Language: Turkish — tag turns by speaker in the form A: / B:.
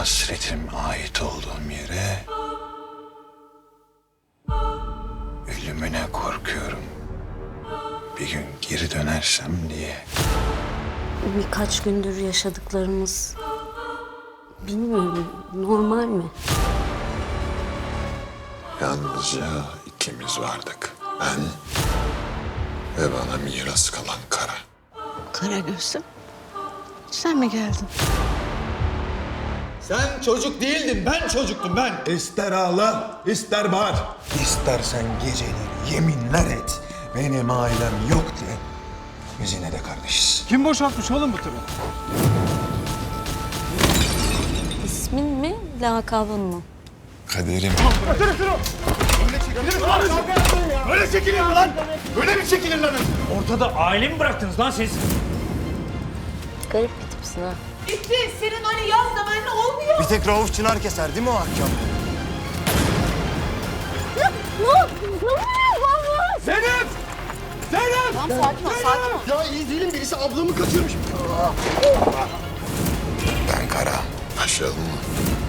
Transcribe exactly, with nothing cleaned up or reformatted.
A: hasretim ait olduğum yere ölümüne korkuyorum. Bir gün geri dönersem diye.
B: Birkaç gündür yaşadıklarımız bilmiyorum normal mi?
A: Yalnızca ikimiz vardık. Ben ve bana miras kalan Kara.
C: Karagöz'üm, sen mi geldin?
D: Sen çocuk değildin, ben çocuktum ben.
E: İster ağla, ister bağır. İstersen geceleri yeminler et. Benim ailem yok de. Biz yine de kardeşiz.
F: Kim boşaltmış oğlum bu tırı?
B: İsmin mi, lakabın mı?
A: Kaderim.
D: Öyle çekilir mi lan? Öyle mi çekilir lan?
F: Ortada aile mi bıraktınız lan siz?
B: Garip bir tipsin ha.
G: Bitti. Senin öyle yaz zamanlı olmuyor.
D: Bir tek Rauf Çınar keser değil mi o hakkam?
F: Zeynep! Zeynep!
G: Tamam sakin ol, sakin ol.
D: Ya iyi değilim, birisi ablamı kaçırmış.
A: Ben Kara. Başlayalım mı?